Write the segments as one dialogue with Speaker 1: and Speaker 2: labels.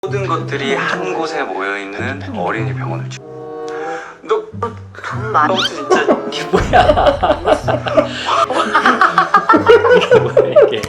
Speaker 1: 모든 것들이 한 곳에 모여있는 어린이 병원을 너
Speaker 2: 돈 많이
Speaker 1: 진짜
Speaker 3: 이게 뭐야? 이게 뭐야 이게?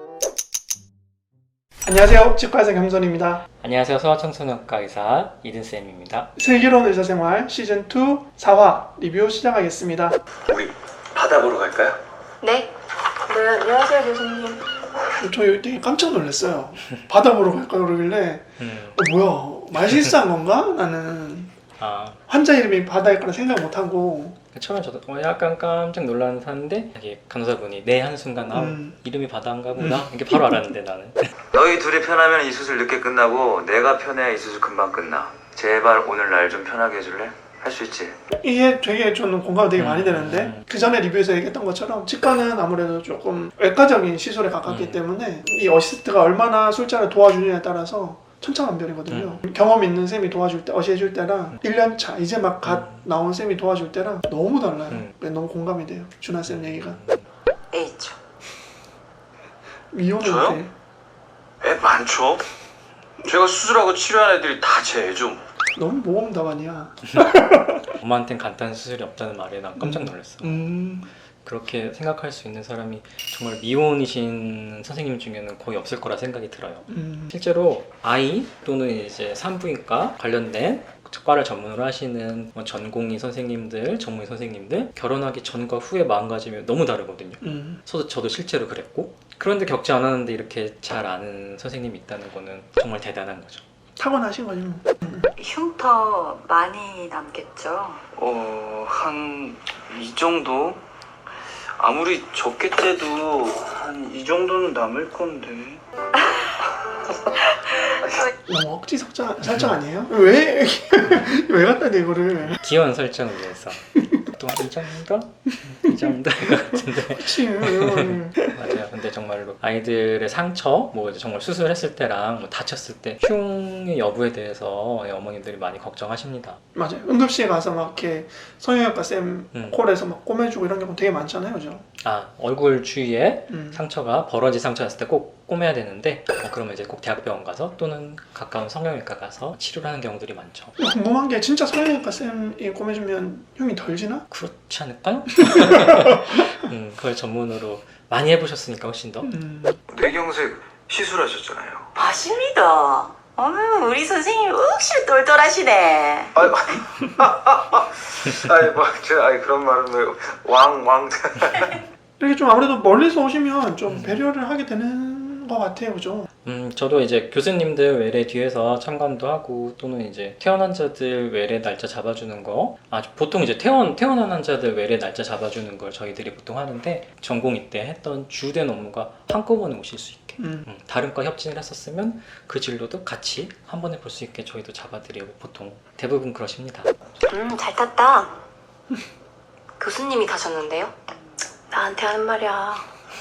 Speaker 4: 안녕하세요. 치과의사 겸손입니다.
Speaker 3: 안녕하세요. 소아청소년과 의사 이든쌤입니다.
Speaker 4: 슬기로운 의사생활 시즌2 4화 리뷰 시작하겠습니다.
Speaker 1: 우리 바다 보러 갈까요?
Speaker 2: 네? 네, 안녕하세요 교수님.
Speaker 4: 저 되게 깜짝 놀랐어요. 바다 보러 갈까 그러길래 뭐야 말 실수한 건가? 나는 환자 이름이 바다일 거라 생각 못하고
Speaker 3: 처음에 저도 약간 깜짝 놀랐는데 이게 간호사분이 내 한순간 이름이 바다인가 보다 이게 바로 알았는데 나는
Speaker 1: 너희 둘이 편하면 이 수술 늦게 끝나고 내가 편해야 이 수술 금방 끝나. 제발 오늘 날 좀 편하게 해줄래? 할 수 있지?
Speaker 4: 이게 되게 저는 공감이 되게 많이 되는데 그 전에 리뷰에서 얘기했던 것처럼 치과는 아무래도 조금 외과적인 시술에 가깝기 때문에 이 어시스트가 얼마나 술자를 도와주느냐에 따라서 천차만별이거든요. 경험 있는 쌤이 도와줄 때, 어시해줄 때랑 1년차 이제 막 갓 나온 쌤이 도와줄 때랑 너무 달라요. 너무 공감이 돼요. 준하 쌤 얘기가.
Speaker 2: A죠.
Speaker 4: 미혼일
Speaker 1: 저요?
Speaker 4: 때
Speaker 1: 애 많죠? 제가 수술하고 치료한 애들이 다 제 애죠.
Speaker 4: 너무 모범 답안이야.
Speaker 3: 엄마한텐 간단한 수술이 없다는 말에 난 깜짝 놀랐어.
Speaker 4: 음.
Speaker 3: 그렇게 생각할 수 있는 사람이 정말 미혼이신 선생님 중에는 거의 없을 거라 생각이 들어요. 실제로 아이 또는 이제 산부인과 관련된 과를 전문으로 하시는 전공의 선생님들, 전문의 선생님들 결혼하기 전과 후의 마음가짐이 너무 다르거든요. 저도 실제로 그랬고 그런데 겪지 않았는데 이렇게 잘 아는 선생님이 있다는 거는 정말 대단한 거죠.
Speaker 4: 타고나신 거지 뭐.
Speaker 2: 흉터 많이 남겠죠?
Speaker 1: 한 이 정도? 아무리 적게 째도 한 이 정도는 남을 건데.
Speaker 4: 너무 억지 설정 아니에요? 왜? 왜 갖다 대 이거를?
Speaker 3: 귀여운 설정을 위해서 또 이 정도? 이 정도 같은데
Speaker 4: 그치.
Speaker 3: 맞아요. 근데 정말로 아이들의 상처, 뭐 이제 정말 수술했을 때랑 뭐 다쳤을 때 흉의 여부에 대해서 어머님들이 많이 걱정하십니다.
Speaker 4: 맞아요. 응급실에 가서 막 이렇게 성형외과 쌤 콜에서 막 꼬매주고 이런 경우 되게 많잖아요, 그죠?
Speaker 3: 얼굴 주위에 상처가 벌어진 상처였을 때 꼭 꼬매야 되는데 그러면 이제 꼭 대학병원 가서 또는 가까운 성형외과 가서 치료를 하는 경우들이 많죠.
Speaker 4: 궁금한 게 진짜 성형외과 쌤이 꼬매주면 흉이 덜 지나?
Speaker 3: 그렇지 않을까요? 그걸 전문으로 많이 해보셨으니까 훨씬 더.
Speaker 1: 뇌경색 시술하셨잖아요.
Speaker 2: 맞습니다. 우리 선생님 확실히 똘똘하시네.
Speaker 1: 그런 말은 왜 왕.
Speaker 4: 이렇게 좀 아무래도 멀리서 오시면 좀 배려를 하게 되는 것 같아요, 그죠?
Speaker 3: 저도 이제 교수님들 외래 뒤에서 참관도 하고 또는 이제 퇴원 환자들 외래 날짜 잡아주는 거 보통 이제 퇴원한 환자들 외래 날짜 잡아주는 걸 저희들이 보통 하는데 전공의 때 했던 주된 업무가 한꺼번에 오실 수 있게 다른 과 협진을 했었으면 그 진로도 같이 한 번에 볼 수 있게 저희도 잡아드리고 보통 대부분 그러십니다.
Speaker 2: 잘 탔다. 교수님이 가셨는데요? 나한테 하는 말이야.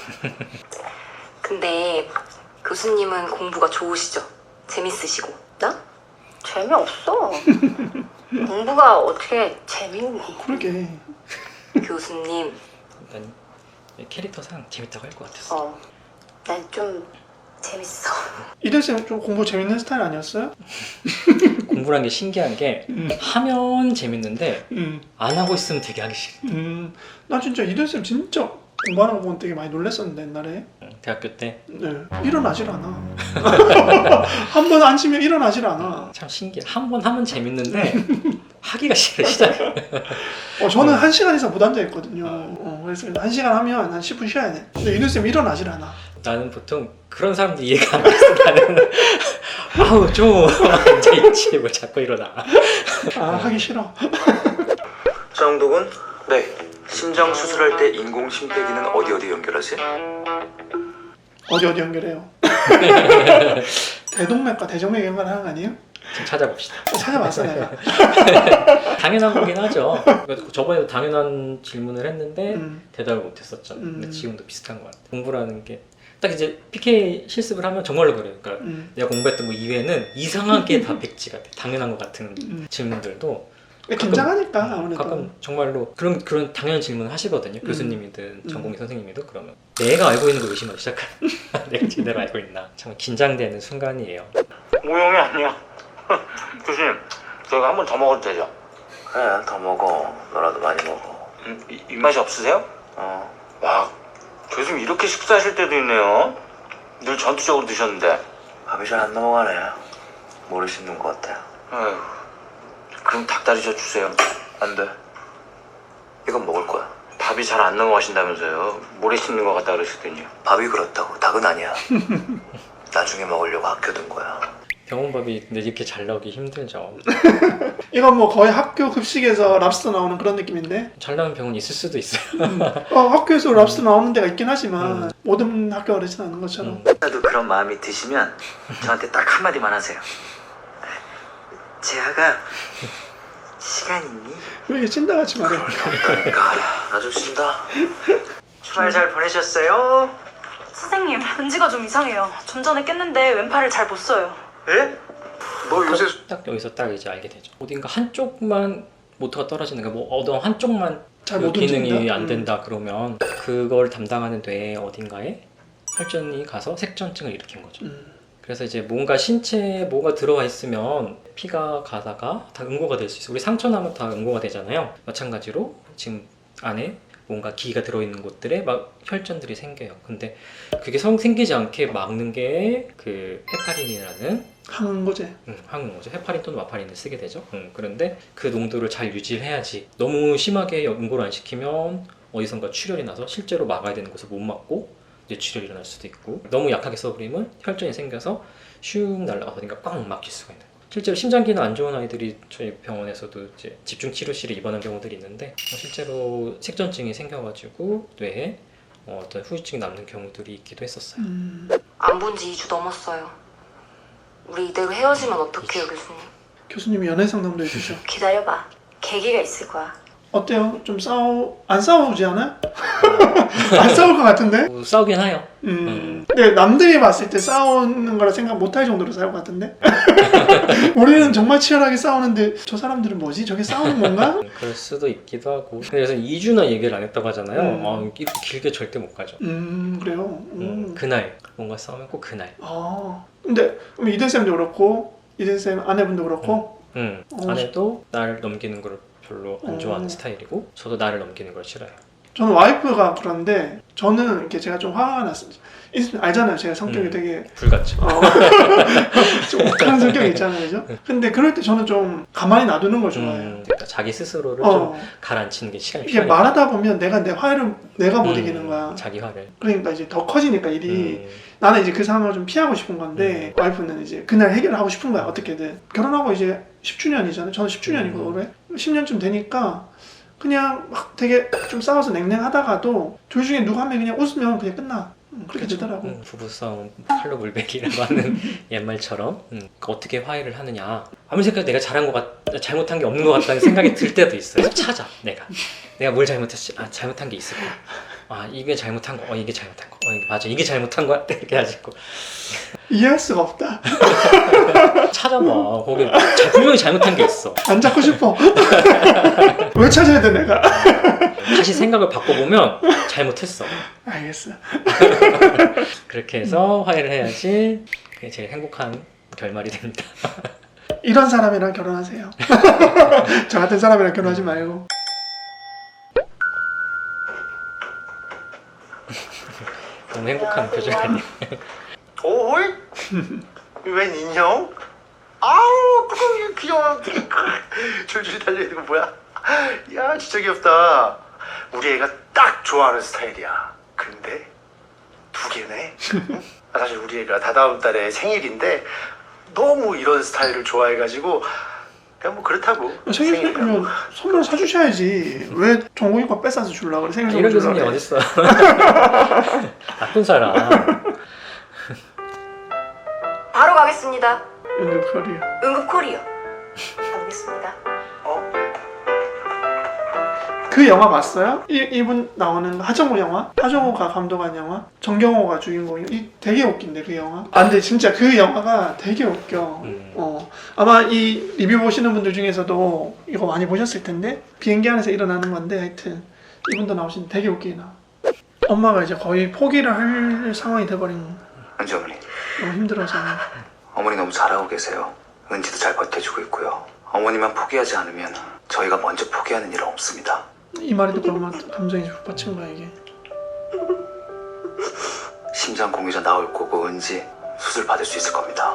Speaker 2: 근데 교수님은 공부가 좋으시죠? 재밌으시고. 나? 재미없어. 공부가 어떻게 재밌니?
Speaker 4: 그러게.
Speaker 2: 교수님,
Speaker 3: 일단 캐릭터상 재밌다고 할 것 같았어.
Speaker 2: 난 좀 재밌어.
Speaker 4: 이든 쌤 좀 공부 재밌는 스타일 아니었어요?
Speaker 3: 공부란 게 신기한 게 하면 재밌는데 안 하고 있으면 되게 하기 싫어.
Speaker 4: 나 진짜 이든 쌤 진짜 공부하는 거 보면 되게 많이 놀랐었는데 옛날에.
Speaker 3: 대학교 때
Speaker 4: 네. 일어나질 않아. 한 번 앉으면 일어나질 않아.
Speaker 3: 참 신기해. 한 번 하면 재밌는데 하기가 싫어 시작을.
Speaker 4: 저는 1시간 이상 못 앉아있거든요. 그래서 1시간 하면 한 10분 쉬어야 돼. 근데 이든 쌤 일어나질 않아.
Speaker 3: 나는 보통 그런 사람들 이해가 안 돼서 나는 아우 좀 앉아있지 뭐 자꾸 일어나.
Speaker 4: 하기 싫어.
Speaker 1: 정독은? 네. 심장 수술할 때 인공 심폐기는 어디 연결하지?
Speaker 4: 어디 연결해요? 대동맥과 대정맥 연결하는 거 아니에요?
Speaker 3: 지금 찾아봅시다.
Speaker 4: 찾아봤어 내가.
Speaker 3: 당연한 거긴 하죠. 저번에도 당연한 질문을 했는데 대답을 못했었죠. 근데 지금도 비슷한 것 같아요. 공부라는 게 딱 이제 PK 실습을 하면 정말로 그래요. 그러니까 내가 공부했던 거 이외에는 이상하게 다 백지가 돼. 당연한 것 같은 질문들도
Speaker 4: 긴장하니까 아무래도.
Speaker 3: 가끔 정말로 그런 당연한 질문을 하시거든요. 교수님이든 전공의 선생님이든 그러면 내가 알고 있는 걸 의심하기 시작하는 내가 제대로 알고 있나 참 긴장되는 순간이에요.
Speaker 5: 모형이 아니야. 교수님, 저희가 한 번 더 먹어도 되죠?
Speaker 1: 그래, 더 먹어. 너라도 많이 먹어.
Speaker 5: 입맛이 없으세요? 와, 교수님 이렇게 식사하실 때도 있네요. 늘 전투적으로 드셨는데.
Speaker 1: 밥이 잘 안 넘어가네. 모래 씹는 것 같아.
Speaker 5: 아휴, 그럼 닭다리젓 주세요.
Speaker 1: 안 돼. 이건 먹을 거야.
Speaker 5: 밥이 잘 안 넘어가신다면서요. 모래 씹는 것 같다 그러시더니요.
Speaker 1: 밥이 그렇다고. 닭은 아니야. 나중에 먹으려고 아껴둔 거야.
Speaker 3: 병원밥이 근데 이렇게 잘 나오기 힘들죠.
Speaker 4: 이건 뭐 거의 학교 급식에서 랍스터 나오는 그런 느낌인데
Speaker 3: 잘 나오는 병원 있을 수도 있어요.
Speaker 4: 학교에서 랍스터 나오는 데가 있긴 하지만 모든 학교가 그러진 않은 것처럼
Speaker 1: 나도 그런 마음이 드시면 저한테 딱 한마디만 하세요. 재하가 시간 있니?
Speaker 4: 왜 이렇게 찐다같이 말해.
Speaker 1: 그러니까 나 좀 쉰다. 주말 잘 보내셨어요?
Speaker 6: 선생님, 은지가 좀 이상해요. 좀 전에 깼는데 왼팔을 잘 못 써요.
Speaker 1: 예? 너 요새
Speaker 3: 딱 여기서 딱 이제 알게 되죠. 어딘가 한쪽만 모터가 떨어지는 거, 뭐 어떤 한쪽만
Speaker 4: 잘
Speaker 3: 그
Speaker 4: 못
Speaker 3: 기능이
Speaker 4: 움직인다?
Speaker 3: 안 된다 그러면 그걸 담당하는 뇌 어딘가에 혈전이 가서 색전증을 일으킨 거죠. 그래서 이제 뭔가 신체에 뭐가 들어와 있으면 피가 가다가 다 응고가 될 수 있어요. 우리 상처 나면 다 응고가 되잖아요. 마찬가지로 지금 안에 뭔가 기가 들어있는 곳들에 막 혈전들이 생겨요. 근데 그게 생기지 않게 막는 게 그 헤파린이라는
Speaker 4: 항거제.
Speaker 3: 항응고죠. 헤파린 또는 와파린을 쓰게 되죠. 그런데 그 농도를 잘 유지를 해야지. 너무 심하게 응고를 안 시키면 어디선가 출혈이 나서 실제로 막아야 되는 곳을 못 막고 뇌출혈이 일어날 수도 있고, 너무 약하게 써버리면 혈전이 생겨서 슉 날아가서 어딘가 꽉 막힐 수가 있는 거예요. 실제로 심장기능 안 좋은 아이들이 저희 병원에서도 이제 집중치료실에 입원한 경우들이 있는데 실제로 색전증이 생겨가지고 뇌에 어떤 후유증이 남는 경우들이 있기도 했었어요.
Speaker 2: 안 본 지 2주 넘었어요. 우리 이대로 헤어지면 어떡해요, 교수님?
Speaker 4: 교수님이 연애 상담도 해주셔.
Speaker 2: 기다려봐. 계기가 있을 거야.
Speaker 4: 어때요? 좀 안 싸우지 않아요? 안 싸울 것 같은데?
Speaker 3: 뭐 싸우긴 해요.
Speaker 4: 근데 남들이 봤을 때 싸우는 거라 생각 못할 정도로 싸울 것 같은데? 우리는 정말 치열하게 싸우는데 저 사람들은 뭐지? 저게 싸우는 건가?
Speaker 3: 그럴 수도 있기도 하고. 그래서 2주나 얘기를 안 했다고 하잖아요. 이렇게 길게 절대 못 가죠.
Speaker 4: 그래요?
Speaker 3: 그날 뭔가 싸우면 꼭 그날.
Speaker 4: 근데 그럼 이든쌤도 그렇고 이든쌤 아내분도 그렇고
Speaker 3: 아내도 나를 넘기는 걸 별로 안 좋아하는 스타일이고, 저도 나를 넘기는 걸 싫어해요.
Speaker 4: 저는 와이프가 그런데 저는 이렇게 제가 좀 화가 났어요. 알잖아요. 제가 성격이 되게
Speaker 3: 불같죠.
Speaker 4: 좀 욱하는 성격이 있잖아요. 그죠? 근데 그럴 때 저는 좀 가만히 놔두는 걸 좋아해요.
Speaker 3: 그러니까 자기 스스로를 좀 가라앉히는 게 시간이
Speaker 4: 이게
Speaker 3: 필요하니까.
Speaker 4: 말하다 보면 내가 내 화를 내가 못 이기는 거야.
Speaker 3: 자기 화를.
Speaker 4: 그러니까 이제 더 커지니까 일이 나는 이제 그 상황을 좀 피하고 싶은 건데 와이프는 이제 그날 해결을 하고 싶은 거야. 어떻게든. 결혼하고 이제 10주년이잖아요. 저는 10주년이고 올해 10년쯤 되니까 그냥 막 되게 좀 싸워서 냉랭하다가도 둘 중에 누구 한 명이 그냥 웃으면 그냥 끝나. 그렇게 되더라고.
Speaker 3: 부부싸움 칼로 물베기라고 하는 옛말처럼 어떻게 화해를 하느냐. 아무리 생각해도 내가 잘못한 게 없는 것 같다는 생각이 들 때도 있어요. 찾아. 내가 뭘 잘못했지? 잘못한 게 있을 거야. 이게 잘못한 거. 이게 잘못한 거. 맞아. 이게 잘못한 거야. 이렇게 하시고
Speaker 4: 이해할 수가 없다.
Speaker 3: 찾아봐. 거기 분명히 잘못한 게 있어.
Speaker 4: 안 잡고 싶어. 왜 찾아야 돼 내가?
Speaker 3: 다시 생각을 바꿔보면 잘못했어.
Speaker 4: 알겠어.
Speaker 3: 그렇게 해서 화해를 해야지 그게 제일 행복한 결말이 됩니다.
Speaker 4: 이런 사람이랑 결혼하세요. 저 같은 사람이랑 결혼하지 말고.
Speaker 3: 너무 행복한 표정 아니에요?
Speaker 5: 오이? 웬 인형? 아우 뚜껑이 귀여워. 줄줄이 달려있는 거 뭐야? 야 진짜 귀엽다. 우리 애가 딱 좋아하는 스타일이야. 근데 2개네. 사실 우리 애가 다다음 달에 생일인데 너무 이런 스타일을 좋아해가지고 그냥 뭐 그렇다고.
Speaker 4: 생일 선물이면 선물 사주셔야지. 왜 정국이 거 뺏어서 주려고 그래? 생일 선물
Speaker 3: 이런 교수님
Speaker 4: 주려고
Speaker 3: 어딨어? 나쁜 사람.
Speaker 2: 바로 가겠습니다.
Speaker 4: 응급 커리어.
Speaker 2: 응급 코리어. 가보겠습니다.
Speaker 4: 그 영화 봤어요? 이분 나오는 하정우 영화? 하정우가 감독한 영화? 정경호가 주인공이 되게 웃긴데 그 영화? 근데 진짜 그 영화가 되게 웃겨. 아마 이 리뷰 보시는 분들 중에서도 이거 많이 보셨을 텐데 비행기 안에서 일어나는 건데 하여튼 이분도 나오신 되게 웃기나. 엄마가 이제 거의 포기를 할 상황이 돼버린
Speaker 1: 안지 어머니.
Speaker 4: 너무 힘들어서
Speaker 1: 어머니 너무 잘하고 계세요. 은지도 잘 버텨주고 있고요. 어머니만 포기하지 않으면 저희가 먼저 포기하는 일은 없습니다.
Speaker 4: 이 말이 듣고 엄마 감정이 북받친 거야 이게.
Speaker 1: 심장 공유자 나올 거고 은지 수술 받을 수 있을 겁니다.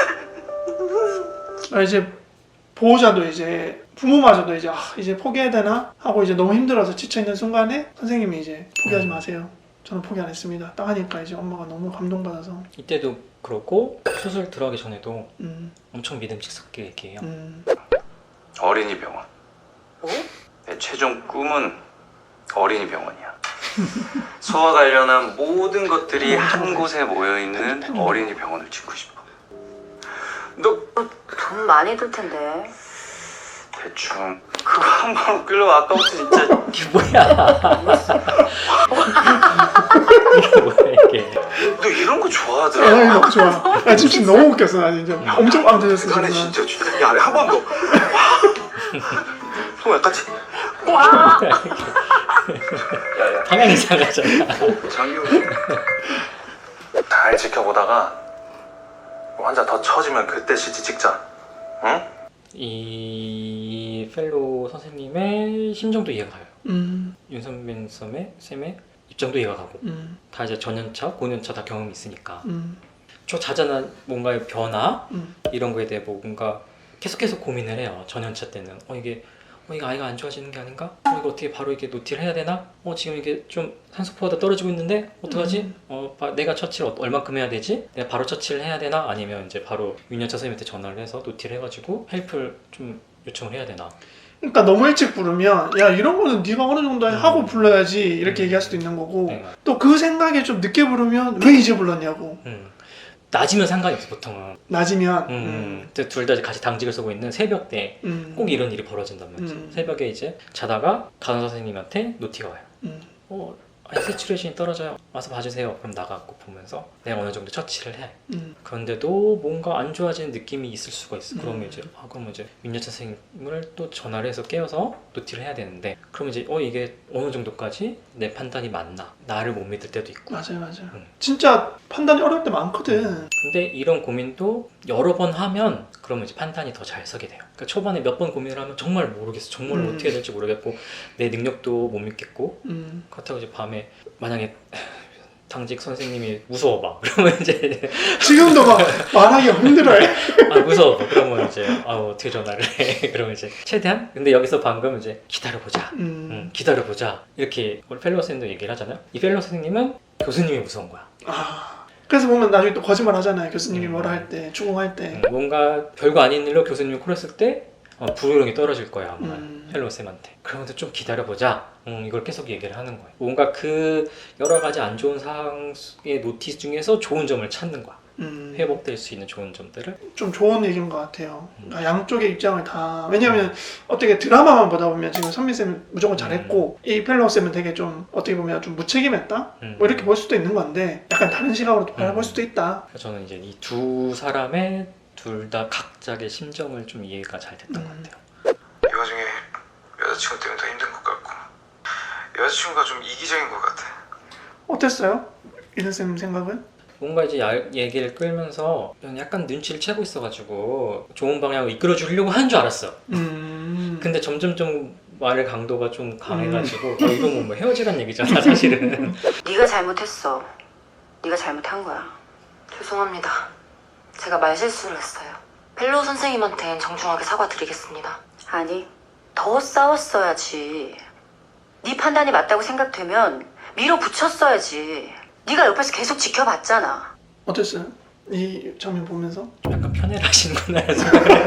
Speaker 4: 이제 보호자도 이제 부모마저도 이제 이제 포기해야 되나 하고 이제 너무 힘들어서 지쳐 있는 순간에 선생님이 이제 포기하지 마세요. 저는 포기 안 했습니다. 딱 하니까 이제 엄마가 너무 감동받아서.
Speaker 3: 이때도 그렇고 수술 들어가기 전에도 엄청 믿음직스럽게 얘기해요.
Speaker 1: 어린이 병원. 내 최종 꿈은 어린이 병원이야. 소와 관련한 모든 것들이 한 곳에 모여있는 어린이 병원을 짓고 싶어. 너
Speaker 7: 돈 많이 들 텐데.
Speaker 1: 대충 그거 한 번 웃기려고 아까부터 진짜
Speaker 3: 이게 뭐야? 이게 뭐야 이게?
Speaker 1: 너 이런 거
Speaker 4: 아,
Speaker 1: 좋아하더라.
Speaker 4: 너무 좋아. 나 지금 너무 웃겼어. 나 진짜 엄청 빵 터졌어
Speaker 1: 그거는
Speaker 4: 지금.
Speaker 1: 진짜 야, 한 번 더. 또 약간지. 야야.
Speaker 3: 방향 이상하잖아.
Speaker 1: 장유. 잘 지켜보다가 환자 더 처지면 그때 CT 찍자. 응?
Speaker 3: 이 펠로우 선생님의 심정도 이해가 가요.
Speaker 4: 음.
Speaker 3: 윤선민 쌤의 입장도 이해가 가고 다 이제 전연차, 고년차 다 경험이 있으니까 저 자잘한 뭔가의 변화 이런 거에 대해 뭔가 계속 고민을 해요. 전연차 때는 이게 아이가 안 좋아지는 게 아닌가? 이거 어떻게 바로 이게 노티를 해야 되나? 지금 이게 좀 산소포화가 떨어지고 있는데 어떡하지? 내가 처치를 얼만큼 해야 되지? 내가 바로 처치를 해야 되나? 아니면 이제 바로 윤여차 선생님한테 전화를 해서 노티를 해가지고 헬프를 좀 요청을 해야 되나?
Speaker 4: 그러니까 너무 일찍 부르면 야 이런 거는 네가 어느 정도 하고 불러야지 이렇게 얘기할 수도 있는 거고
Speaker 3: 네.
Speaker 4: 또 그 생각에 좀 늦게 부르면 왜 이제 불렀냐고.
Speaker 3: 낮이면 상관이 없어 보통은.
Speaker 4: 낮이면
Speaker 3: 둘 다 같이 당직을 쓰고 있는 새벽 때 꼭 이런 일이 벌어진단 말이지. 새벽에 이제 자다가 간호사 선생님한테 노티가 와요. 세츄레이션이 떨어져요. 와서 봐주세요. 그럼 나가고 보면서 내가 어느 정도 처치를 해. 그런데도 뭔가 안 좋아지는 느낌이 있을 수가 있어. 그러면 이제 그러면 이제 윤여차 선생님을 또 전화를 해서 깨워서 노티를 해야 되는데 그러면 이제 이게 어느 정도까지 내 판단이 맞나? 나를 못 믿을 때도 있고.
Speaker 4: 맞아요. 진짜 판단이 어려울 때 많거든.
Speaker 3: 근데 이런 고민도 여러 번 하면 그러면 이제 판단이 더 잘 서게 돼요. 그러니까 초반에 몇 번 고민을 하면 정말 모르겠어. 정말 어떻게 해야 될지 모르겠고 내 능력도 못 믿겠고 그렇다고 이제 밤에 만약에 당직 선생님이 무서워봐. 그러면 이제
Speaker 4: 지금도 막 말하기 힘들어해.
Speaker 3: 무서워. 그러면 이제 어떻게 전화를 해. 그러면 이제 최대한 근데 여기서 방금 이제 기다려보자. 기다려보자. 이렇게 우리 펠로우 선생님도 얘기를 하잖아요. 이 펠로우 선생님은 교수님이 무서운 거야.
Speaker 4: 그래서 보면 나중에 또 거짓말 하잖아요. 교수님이 뭐라 할 때, 추궁할 때.
Speaker 3: 뭔가 별거 아닌 일로 교수님이 콜했을 때 불호령이 떨어질 거야 아마 펠로우 쌤한테. 그러면 좀 기다려보자. 이걸 계속 얘기를 하는 거예요. 뭔가 그 여러 가지 안 좋은 상황의 노티스 중에서 좋은 점을 찾는 거야. 회복될 수 있는 좋은 점들을.
Speaker 4: 좀 좋은 얘기인 것 같아요. 그러니까 양쪽의 입장을 다. 왜냐면 어떻게 드라마만 보다 보면 지금 선민쌤은 무조건 잘했고 이 펠로우쌤은 되게 좀 어떻게 보면 좀 무책임했다? 뭐 이렇게 볼 수도 있는 건데 약간 다른 시각으로 바라볼 수도 있다.
Speaker 3: 저는 이제 이 두 사람의 둘 다 각자의 심정을 좀 이해가 잘 됐던 것 같아요.
Speaker 1: 이 와중에 여자친구 때문에 더 힘든 것 같고 여자친구가 좀 이기적인 것 같아.
Speaker 4: 어땠어요? 이든쌤 생각은?
Speaker 3: 뭔가 이제 얘기를 끌면서 약간 눈치를 채고 있어가지고 좋은 방향으로 이끌어 주려고 하는 줄 알았어. 근데 점점 좀 말의 강도가 좀 강해가지고 이건 뭐 헤어지란 얘기잖아 사실은.
Speaker 7: 네가 잘못했어. 네가 잘못한 거야.
Speaker 2: 죄송합니다. 제가 말실수를 했어요. 펠로우 선생님한텐 정중하게 사과드리겠습니다.
Speaker 7: 아니, 더 싸웠어야지. 네 판단이 맞다고 생각되면 밀어붙였어야지. 네가 옆에서 계속 지켜봤잖아.
Speaker 4: 어땠어요? 이 장면 보면서?
Speaker 3: 좀 약간 편애를 하시는구나 해서.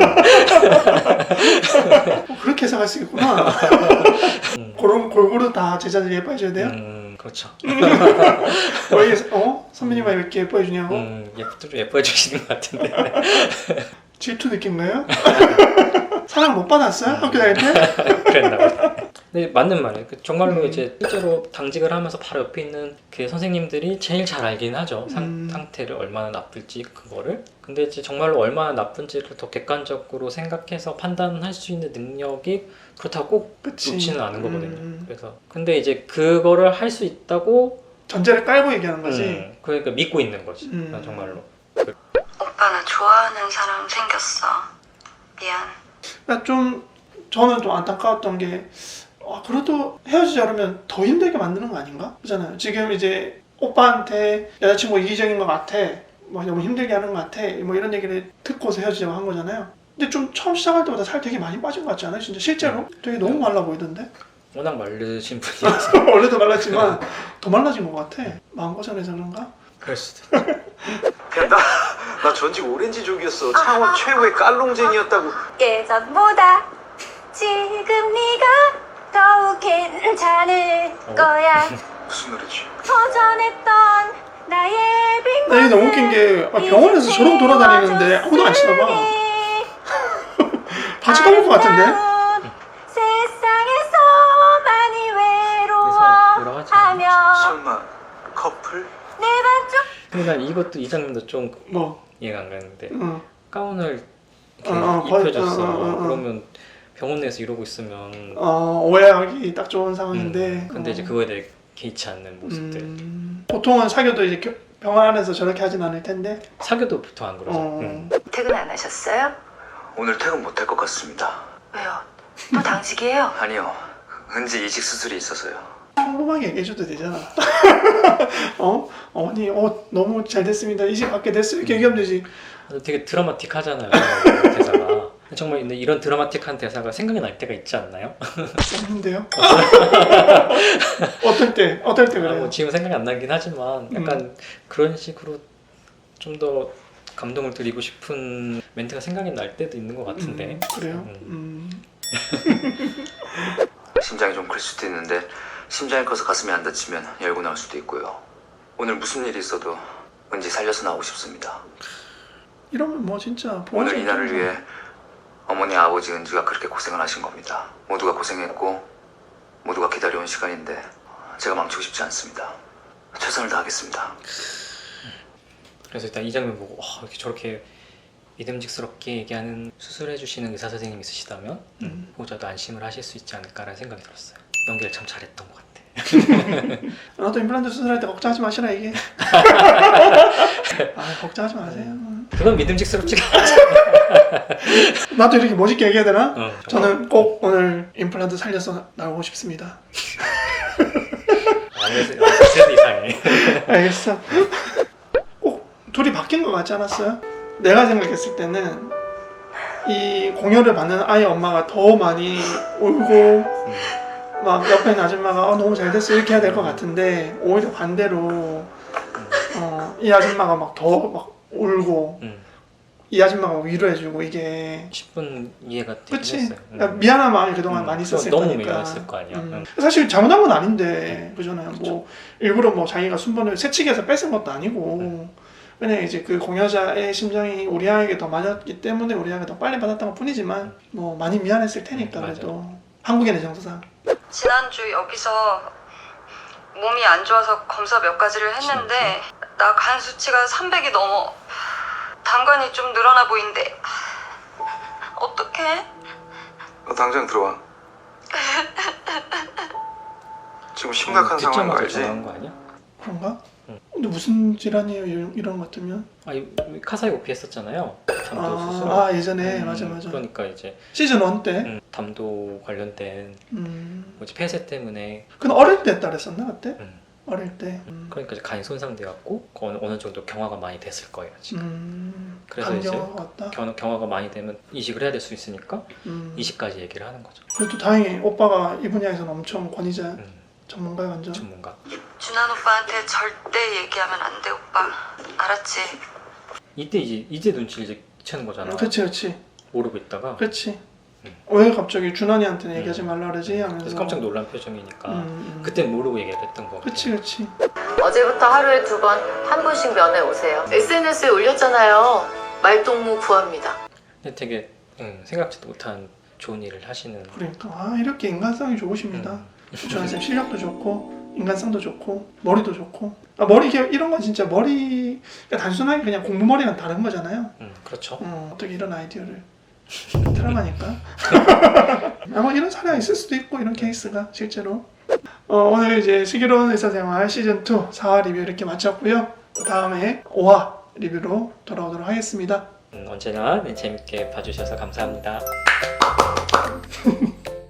Speaker 4: 그렇게 해석할 수 있구나. 골고루 다 제자들이 예뻐해줘야 돼요?
Speaker 3: 그렇죠.
Speaker 4: 왜 선배님만 이렇게 예뻐해주냐고?
Speaker 3: 좀 예뻐해 주시는 것 같은데.
Speaker 4: 질투 느낀가요? 사랑 못 받았어요? 학교 다닐 때?
Speaker 3: 그랬나 보다. 근데 맞는 말이에요. 정말로 이제 실제로 당직을 하면서 바로 옆에 있는 그 선생님들이 제일 잘 알긴 하죠. 상태를 얼마나 나쁠지 그거를. 근데 이제 정말로 얼마나 나쁜지를 더 객관적으로 생각해서 판단할 수 있는 능력이 그렇다고 꼭 좋지는 않은 거거든요. 그래서 근데 이제 그거를 할 수 있다고
Speaker 4: 전제를 깔고 얘기하는 거지.
Speaker 3: 그러니까 믿고 있는 거지. 정말로.
Speaker 7: 오빠 나 좋아하는 사람 생겼어. 미안.
Speaker 4: 그러니까 좀 저는 좀 안타까웠던 게 그래도 헤어지자 그러면 더 힘들게 만드는 거 아닌가? 그잖아요. 지금 이제 오빠한테 여자친구 이기적인 것 같아, 뭐 너무 힘들게 하는 것 같아, 뭐 이런 얘기를 듣고서 헤어지자고 한 거잖아요. 근데 좀 처음 시작할 때보다 살 되게 많이 빠진 것 같지 않아요? 진짜 실제로 되게 너무 말라 보이던데.
Speaker 3: 워낙 마르신 분이라서
Speaker 4: 원래도 말랐지만 더 말라진 것 같아. 마음고생해서 그런가?
Speaker 3: 그럴 수도 있죠.
Speaker 5: 야, 나 전직 오렌지족이었어. 창원 최고의 깔롱쟁이였다고.
Speaker 6: 예전보다 지금 네가 더욱 괜찮을 거야.
Speaker 5: 무슨 노래지?
Speaker 6: 허전했던 나의 빈
Speaker 4: 나 이게 너무 웃긴 게 병원에서 저러고 돌아다니는데 아무도 안 치나 봐. 다 쳐다볼 것 같은데?
Speaker 6: 세상에서 많이
Speaker 3: 그래서 여러 가지
Speaker 6: 외로워하며
Speaker 5: 설마 커플?
Speaker 6: 내 반쪽
Speaker 3: 그러니까 이것도 이 장면도 좀
Speaker 4: 뭐,
Speaker 3: 이해가 안 가는데
Speaker 4: 어,
Speaker 3: 가운을
Speaker 4: 거의-
Speaker 3: 입혀줬어. 그러면 병원 내에서 이러고 있으면
Speaker 4: 오해하기 딱 좋은 상황인데.
Speaker 3: 근데 이제 그거에 대해 개의치 않는 모습들.
Speaker 4: 보통은 사귀어도 이제 병원 안에서 저렇게 하진 않을 텐데.
Speaker 3: 사귀어도 보통 안 그러죠.
Speaker 7: 퇴근 안 하셨어요?
Speaker 1: 오늘 퇴근 못할 것 같습니다.
Speaker 7: 왜요? 또 당직이에요?
Speaker 1: 아니요. 은지 이식 수술이 있어서요.
Speaker 4: 평범하게 얘기해줘도 되잖아. 어머니 너무 잘 됐습니다. 이식 받게 됐어요. 이렇게 얘기하면 되지.
Speaker 3: 되게 드라마틱하잖아요. 대사가. 정말 근데 이런 드라마틱한 대사가 생각이 날 때가 있지 않나요?
Speaker 4: 없는데요? 어떨 때 그래요?
Speaker 3: 뭐 지금 생각이 안 나긴 하지만 약간 그런 식으로 좀 더 감동을 드리고 싶은 멘트가 생각이 날 때도 있는 것 같은데.
Speaker 4: 그래요?
Speaker 1: 심장이 좀 클 수도 있는데 심장이 커서 가슴이 안 다치면 열고 나올 수도 있고요. 오늘 무슨 일이 있어도 은지 살려서 나오고 싶습니다.
Speaker 4: 이러면 뭐 진짜
Speaker 1: 오늘 이날을 위해 어머니 아버지 은지가 그렇게 고생을 하신 겁니다. 모두가 고생했고 모두가 기다려온 시간인데 제가 망치고 싶지 않습니다. 최선을 다하겠습니다.
Speaker 3: 그래서 일단 이 장면 보고 이렇게 저렇게 믿음직스럽게 얘기하는 수술해 주시는 의사 선생님 있으시다면 보호자도 안심을 하실 수 있지 않을까라는 생각이 들었어요. 연기를 참 잘했던 것 같아.
Speaker 4: 나도 임플란트 수술할 때 걱정하지 마시라 이게. 걱정하지 마세요.
Speaker 3: 그건 믿음직스럽지가 않아.
Speaker 4: 나도 이렇게 멋있게 얘기해야 되나?
Speaker 3: 저는
Speaker 4: 저는 꼭 오늘 임플란트 살려서 나오고 싶습니다.
Speaker 3: 그래도 이상해.
Speaker 4: 알겠어. 꼭 둘이 바뀐 것 같지 않았어요? 내가 생각했을 때는 이 공여를 받는 아이 엄마가 더 많이 울고 막 옆에 있는 아줌마가 너무 잘 됐어 이렇게 해야 될 것 같은데 오히려 반대로 이 아줌마가 막 더 막 울고 이 아줌마가 위로해주고 이게
Speaker 3: 10분 이해가 되긴
Speaker 4: 그치?
Speaker 3: 했어요.
Speaker 4: 그러니까 미안한 마음이 그동안 많이 있었을
Speaker 3: 너무
Speaker 4: 거니까
Speaker 3: 미안했을 거 아니야.
Speaker 4: 사실 잘못한 건 아닌데 그잖아요. 뭐 일부러 뭐 자기가 순번을 새치기해서 뺏은 것도 아니고 그냥 이제 그 공여자의 심장이 우리 아이에게 더 맞았기 때문에 우리 아이가 더 빨리 받았던 것 뿐이지만 뭐 많이 미안했을 테니까 그래도 한국인의 정서상.
Speaker 7: 지난주 여기서 몸이 안 좋아서 검사 몇 가지를 했는데 나 간 수치가 300이 넘어. 당관이 좀 늘어나 보이는데 어떡해?
Speaker 1: 당장 들어와. 지금 심각한 상황인 거
Speaker 3: 듣자마자
Speaker 1: 알지?
Speaker 3: 전화한 거 아니야?
Speaker 4: 그런가? 근데 무슨 질환이에요 이런 것 같으면?
Speaker 3: 카사이 오피 했었잖아요. 담도 수술.
Speaker 4: 예전에 맞아.
Speaker 3: 그러니까 이제
Speaker 4: 시즌 1 때.
Speaker 3: 담도 관련된 뭐지 폐쇄 때문에.
Speaker 4: 근데 어릴 때 했다 그랬었나 그때? 어릴 때.
Speaker 3: 그러니까 이제 간이 손상돼갖고 어느 정도 경화가 많이 됐을 거예요 지금. 그래서 이제
Speaker 4: 간경화가 왔다?
Speaker 3: 경화가 많이 되면 이식을 해야 될 수 있으니까 이식까지 얘기를 하는 거죠.
Speaker 4: 그래도 다행히 오빠가 이 분야에서는 엄청 권위자 전문가야 완전.
Speaker 3: 전문가.
Speaker 7: 준환 오빠한테 절대 얘기하면 안 돼 오빠. 알았지?
Speaker 3: 이때 이제 눈치를 이제 채는 거잖아.
Speaker 4: 그렇지.
Speaker 3: 모르고 있다가.
Speaker 4: 그렇지. 왜 갑자기 준환이한테는 얘기하지 말라 그러지? 하면서.
Speaker 3: 그래서 깜짝 놀란 표정이니까 그땐 모르고 얘기를 했던 거.
Speaker 4: 그치.
Speaker 8: 어제부터 하루에 2번 한 분씩 면회 오세요. SNS에 올렸잖아요. 말동무 구합니다.
Speaker 3: 근데 되게 생각지도 못한 좋은 일을 하시는.
Speaker 4: 그러니까 이렇게 인간성이 좋으십니다. 준환 쌤 실력도 좋고 인간성도 좋고 머리도 좋고. 머리 이런 건 진짜 머리 단순하게 그냥 공부 머리랑 다른 거잖아요.
Speaker 3: 그렇죠.
Speaker 4: 어떻게 이런 아이디어를 드라마니까. 아마 이런 사례가 있을 수도 있고 이런 케이스가 실제로. 오늘 이제 슬기로운 의사생활 시즌 2 4화 리뷰 이렇게 마쳤고요. 다음에 5화 리뷰로 돌아오도록 하겠습니다.
Speaker 3: 언제나 재밌게 봐주셔서 감사합니다.